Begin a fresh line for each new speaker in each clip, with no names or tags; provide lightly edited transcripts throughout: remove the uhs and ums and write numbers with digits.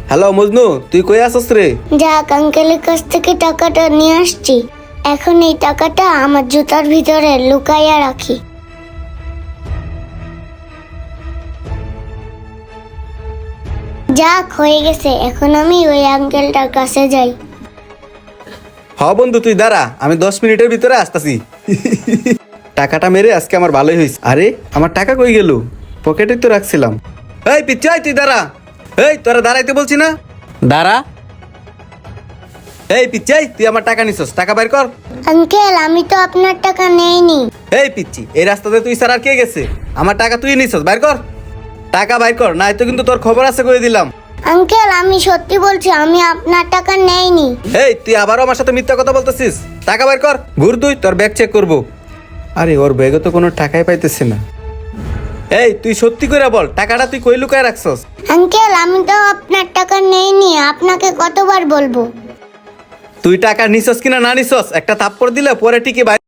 Hello Majnu, তুই কই আছস রে?
যাক, আঙ্কেলের কাছ থেকে টাকাটা নিয়ে আসছি। এখন এই টাকাটা আমার জুতার ভিতরে লুকাইয়া রাখি। যাক, হয়ে গেছে। এখন আমি ওই আঙ্কেলটার কাছে যাই।
হ বন্ধু, তুই দাঁড়া, আমি 10 মিনিটের ভিতরে আসতাছি। টাকাটা মেরে আজকে আমার ভালোই হয়েছে। আরে আমার টাকা কই গেল? পকেটে তো রাখছিলাম। এই পিচ্ছাই, তুই দাঁড়া। এই তোরা দাঁড়াইতে বলছি না, দাঁড়া। এই পিচ্ছাই, তুই আমার টাকা নিছস, টাকা বাইর কর।
আঙ্কেল, আমি তো আপনার টাকা নেইনি।
এই পিচ্ছি, এই রাস্তাতে তুই স্যার আর কে গেছে? আমার টাকা তুই নিছস, বাইর কর। টাকা বাইর কর, নাই তো কিন্তু তোর খবর আছে করে দিলাম।
আঙ্কেল, আমি সত্যি বলছি, আমি আপনার টাকা নেইনি।
এই তুই আবারও আমার সাথে মিথ্যা কথা বলতেছিস। টাকা বাইর কর। ঘুর তুই, তোর ব্যাগ চেক করবো। আরে ওর ব্যাগে তো কোনো টাকাই পাইতেছে না। এই তুই সত্যি করে বল, টাকাটা তুই কই লুকায় রাখছস?
আঙ্কেল, আমি তো আপনার টাকা নেইনি। আপনাকে কতবার বলবো?
তুই টাকা নিছস কিনা না নিছস একটা থাপ্পড় দিলে পরে টিকে বাইর।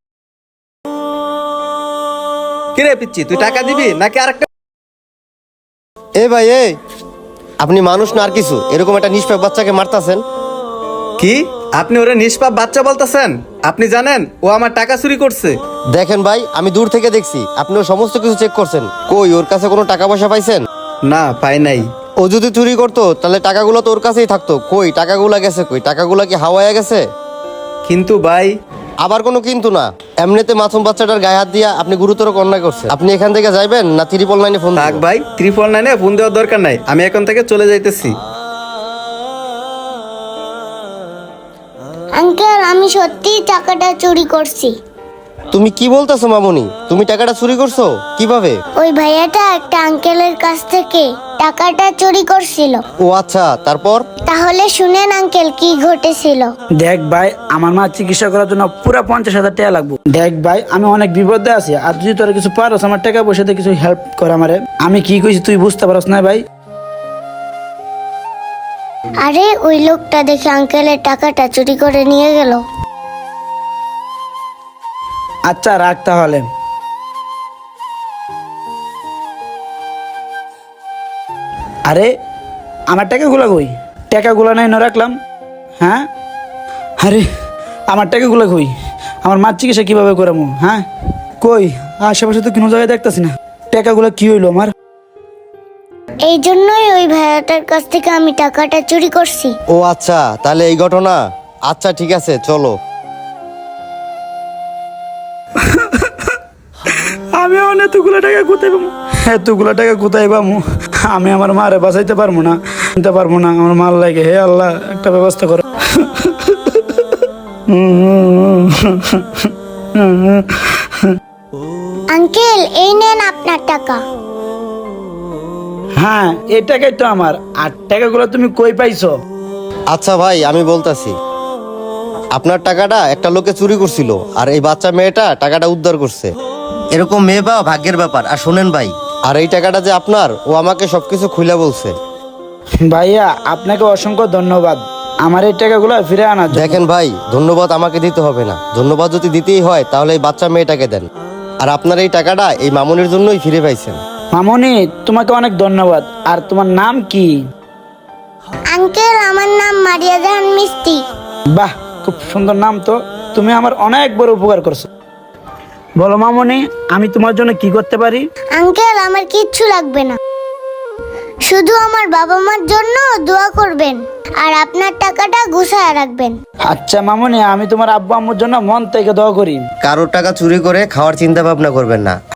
কিরে পিচ্ছি, তুই টাকা দিবি নাকি আরেকটা?
এ ভাই আপনি মানুষ না আর কিছু, এরকম একটা নিষ্পাপ বাচ্চাকে মারতাছেন?
কি আপনি ওরে নিষ্পাপ বাচ্চা বলতেছেন? আপনি জানেন ও আমার টাকা চুরি করছে?
দেখেন ভাই, আমি দূর থেকে দেখছি আপনি ওর সমস্ত কিছু চেক করছেন। কই ওর কাছে কোনো টাকা পয়সা পাইছেন?
না, পাই নাই।
ও যদি চুরি করতো তাহলে টাকাগুলো তো ওর কাছেই থাকতো। কই টাকাগুলো গেছে? কই টাকাগুলো কি হাওয়ায় গেছে?
কিন্তু ভাই,
আবার কোনো কিন্তু না। এমনিতে মাসুম বাচ্চাটার গায়ে হাত দিয়া আপনি গুরুতর অন্যায় করছেন। আপনি এখান থেকে যাইবেন না 999 ফোন
থাক
দিবেন?
ভাই, 999 ফোন দেওয়ার দরকার নাই, আমি এখন থেকে চলে যাইতেছি।
আঙ্কেল, আমি সত্যিই টাকাটা চুরি করছি।
তুমি কি বলতেছো মামুনি? তুমি টাকাটা চুরি করছো কিভাবে?
ওই ভাইয়াটা একটা আঙ্কেলের কাছ থেকে টাকাটা চুরি করছিল।
ও আচ্ছা, তারপর?
তাহলে শুনেন আঙ্কেল, কি ঘটেছিল।
দেখ ভাই, আমার মা চিকিৎসা করার জন্য পুরো 50,000 টাকা লাগবে। দেখ ভাই, আমি অনেক বিপদে আছি, আর যদি তোরা কিছু পারস আমার টাকা পয়সাতে কিছু হেল্প কর আমারে। আমি কি কইছি তুই বুঝতে পারস না ভাই?
আরে ওই লোকটা দেখে আঙ্কেলের টাকাটা চুরি করে নিয়ে গেল।
আচ্ছা রাখ তাহলে। আরে আমার টাকাগুলো কই? টাকাগুলো নাই না রাখলাম। হ্যাঁ, আরে আমার টাকাগুলো কই? আমার মার চিকিৎসা কিভাবে করামো? হ্যাঁ, কই আশেপাশে তো কোনো জায়গায় দেখতেছি না। টাকাগুলো কি হইলো আমার?
এই জন্যই ওই ভাইয়াটার কাছ থেকে আমি টাকাটা চুরি করছি।
ও আচ্ছা, তাহলে এই ঘটনা। আচ্ছা ঠিক আছে, চলো।
আমি এতগুলো টাকা কোথায় পাবো? এতগুলো টাকা কোথায় পাবো? আমি আমার মারে বাঁচাইতে পারবো না, নিতে পারবো না। আমার মার লাগে, হে আল্লাহ একটা ব্যবস্থা করো।
আঙ্কেল, এই নেন আপনার টাকা।
হ্যাঁ, এই টাকাই তো আমার। আর টাকাগুলো তুমি কই পাইছো?
আচ্ছা ভাই, আমি বলতাছি। আপনার টাকাটা একটা লোকে চুরি করছিল, আর এই বাচ্চা মেয়েটা টাকাটা উদ্ধার করছে। এরকম মেয়ে পাওয়া ভাগ্যের ব্যাপার। আর শোনেন ভাই, আর এই টাকাটা যে আপনার, ও আমাকে সবকিছু খুলে বলছে।
ভাইয়া, আপনাকে অসংখ্য ধন্যবাদ আমার এই টাকাগুলো ফিরে আনার জন্য।
দেখেন ভাই, ধন্যবাদ আমাকে দিতে হবে না। ধন্যবাদ যদি দিতেই হয় তাহলে এই বাচ্চা মেয়েটাকে দেন। আর আপনার এই টাকাটা এই মামুনির জন্যই ফিরে পাইছেন।
মামনি, তোমাকে অনেক ধন্যবাদ। আর তোমার নাম কি?
আঙ্কেল, আমার নাম মারিয়া জাহান মিস্তি।
বাহ, খুব সুন্দর নাম তো। তুমি আমার অনেক বড় উপকার করছো। বলো মামনি, আমি তোমার জন্য কি করতে পারি?
আঙ্কেল, আমার কিচ্ছু লাগবে না, শুধু আমার বাবা মার জন্য দোয়া করবেন আর আপনার টাকাটা গুছায় রাখবেন।
আচ্ছা মামনি, আমি তোমার আব্বু আম্মুর জন্য মন থেকে দোয়া করি।
কারোর টাকা চুরি করে খাওয়ার চিন্তা ভাবনা করবেন না।